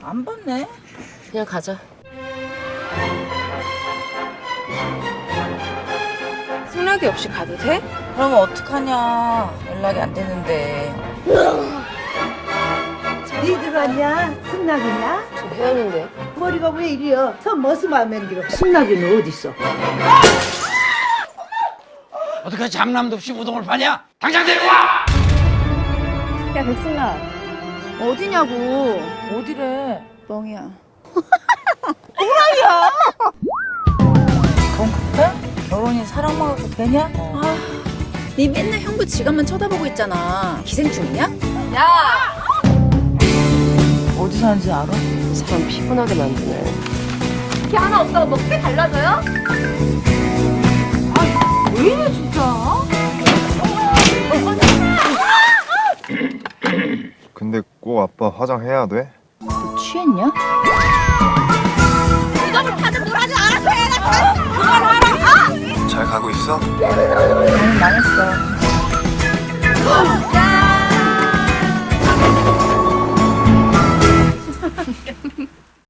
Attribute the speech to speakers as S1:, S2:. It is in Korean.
S1: 안 봤네.
S2: 그냥 가자. 승낙이 없이 가도 돼?
S1: 그러면 어떡하냐. 연락이 안 되는데.
S3: 니들 왔냐? 승낙이냐?
S2: 저 혜연인데.
S3: 머리가 왜 이리여? 저 머스만 맨기로 승낙이는 어딨어?
S4: 어떻게 장남도 없이 우동을 파냐? 당장 데려와!
S5: 야, 백승아. 어디냐고.
S1: 어디래?
S5: 뻥이야.
S1: 돈 급해? 결혼이 사랑만 갖고 되냐?
S5: 네 맨날 형부 지갑만 쳐다보고 있잖아. 기생충이냐?
S1: 어디 사는지 알아?
S2: 사람 피곤하게 만드네.
S5: 이게 하나 없다고 먹게 달라져요? 왜 이래 진짜?
S6: 근데 꼭 아빠 화장해야 돼?
S5: 너 취했냐?
S6: 잘 가고 있어?
S1: 나는 망했어.